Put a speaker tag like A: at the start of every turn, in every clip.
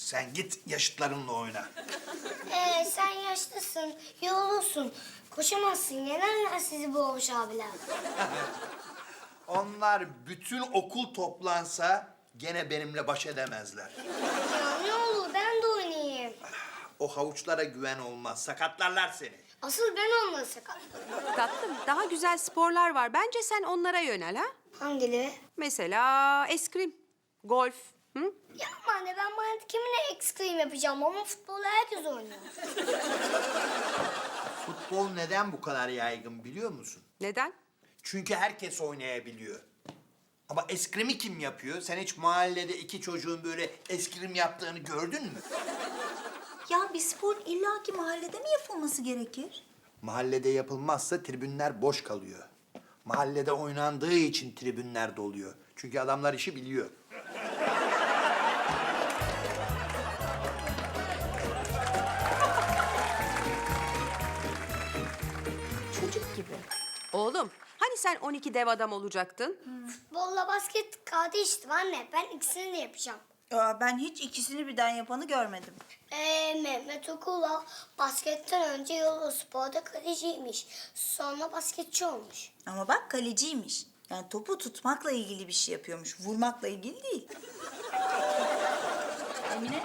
A: Sen git yaşıtlarınla oyna.
B: Sen yaşlısın, yorulursun. Koşamazsın, yenerler sizi bu Oğuz abiler.
A: Onlar bütün okul toplansa gene benimle baş edemezler.
B: Ya ne olur ben de oynayayım.
A: O havuçlara güven olmaz. Sakatlarlar seni.
B: Asıl ben onları sakatlarım.
C: Tatlım, daha güzel sporlar var. Bence sen onlara yönel ha.
B: Hangileri?
C: Mesela eskrim, golf. Hı?
B: Yapma anne, ben bana kiminle ekstrem yapacağım ama futbolu herkes oynuyor.
A: Futbol neden bu kadar yaygın biliyor musun?
C: Neden?
A: Çünkü herkes oynayabiliyor. Ama eskrimi kim yapıyor? Sen hiç mahallede iki çocuğun böyle eskrim yaptığını gördün mü?
D: Ya bir spor illaki mahallede mi yapılması gerekir?
A: Mahallede yapılmazsa tribünler boş kalıyor. Mahallede oynandığı için tribünler doluyor. Çünkü adamlar işi biliyor.
D: Çocuk gibi.
C: Oğlum, hani sen 12 dev adam olacaktın?
B: Futbolla basket kardeştim anne. Ben ikisini de yapacağım.
D: Ben hiç ikisini birden yapanı görmedim.
B: Mehmet Okula basketten önce Yoluspor'da kaleciymiş. Sonra basketçi olmuş.
D: Ama bak kaleciymiş. Yani topu tutmakla ilgili bir şey yapıyormuş. Vurmakla ilgili değil. Emine?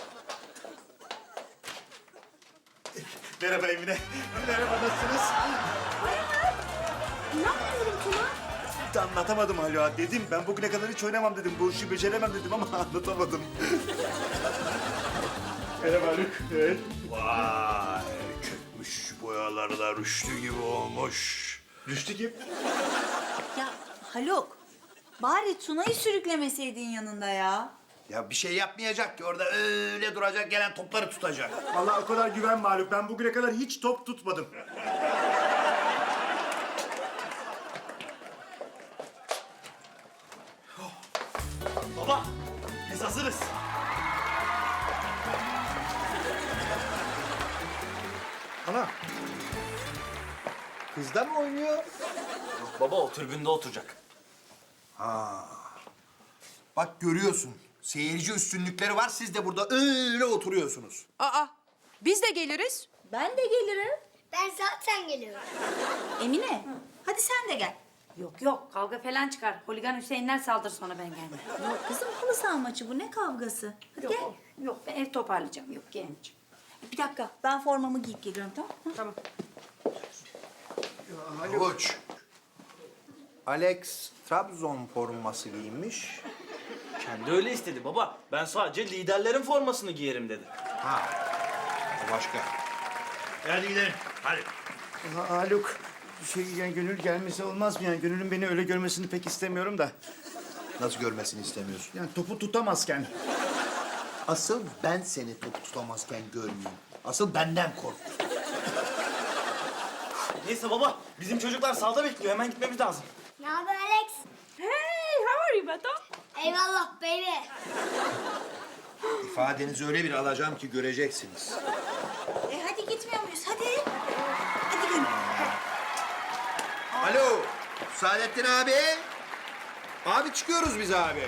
E: Merhaba Emine. Merhaba, nasılsınız?
D: İnanmıyorum Tuna.
E: Anlatamadım hala. Dedim ben bugüne kadar hiç oynamam dedim. Bu işi beceremem dedim ama anlatamadım. Merhaba Haluk. Evet.
A: Vay, çökmüş boyalarla rüştü gibi olmuş.
E: Rüştü kim?
D: Ya Haluk, bari Tuna'yı sürüklemeseydin yanında ya.
A: Ya bir şey yapmayacak ki orada öyle duracak, gelen topları tutacak.
E: Vallahi o kadar güvenme Haluk. Ben bugüne kadar hiç top tutmadım. Baba, biz hazırız.
A: Ana, kız da mı oynuyor?
F: Baba o tribünde oturacak.
A: Bak görüyorsun, seyirci üstünlükleri var, siz de burada öyle oturuyorsunuz.
C: Aa, biz de geliriz.
D: Ben de gelirim.
B: Ben zaten geliyorum.
D: Emine, hadi sen de gel.
G: Yok yok kavga falan çıkar. Holigan Hüseyinler saldır sonra ben gelmem.
D: Yok kızım, halı saha maçı bu, ne kavgası? Hadi gel.
G: Yok, yok ben ev toparlayacağım. Yok gelmeyeceğim.
D: Bir dakika, ben formamı giyip geliyorum, tamam mı?
G: Tamam.
A: Havuç. Alex Trabzon forması giymiş.
F: Kendi öyle istedi baba. Ben sadece liderlerin formasını giyerim dedi.
A: Ha, o başka.
E: Hadi gidelim. Hadi. Haluk, yani Gönül gelmesi olmaz mı? Yani Gönül'ün beni öyle görmesini pek istemiyorum da.
A: Nasıl görmesini istemiyorsun?
E: Yani topu tutamazken.
A: Asıl ben seni top tutamazken görmeyeyim. Asıl benden kork.
F: Neyse baba, bizim çocuklar sahada bekliyor. Hemen gitmemiz lazım.
B: Ne haber Alex?
G: Hey, how are you Beto?
B: Eyvallah baby.
A: İfadenizi öyle bir alacağım ki göreceksiniz.
D: Hadi gitmiyor muyuz? Hadi. Hadi gel.
A: Alo, Saadettin abi. Abi çıkıyoruz biz abi.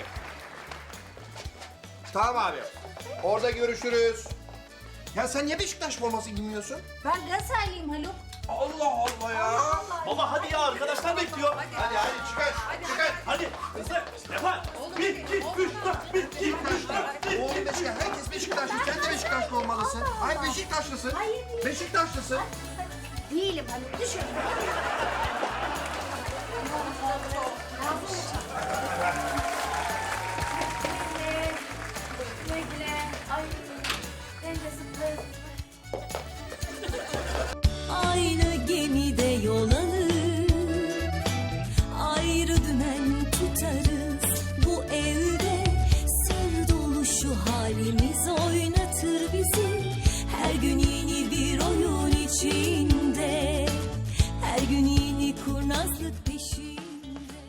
A: Tamam abi. Orada görüşürüz. Ya sen niye Beşiktaş forması giymiyorsun?
D: Ben Galatasaraylıyım Haluk.
A: Allah Allah ya.
F: Baba hadi ya, arkadaşlar bekliyor.
A: Hadi çıkar, çıkar.
F: Hadi hızlı. Yapar. 1, 2, 3, 4, 1, 2, 3, 4,
A: Oğlum Beşiktaş, herkes Beşiktaşlı. Sen de Beşiktaşlı olmalısın. Hayır Beşiktaşlısın. Beşiktaşlısın.
B: Değilim Haluk, düşün.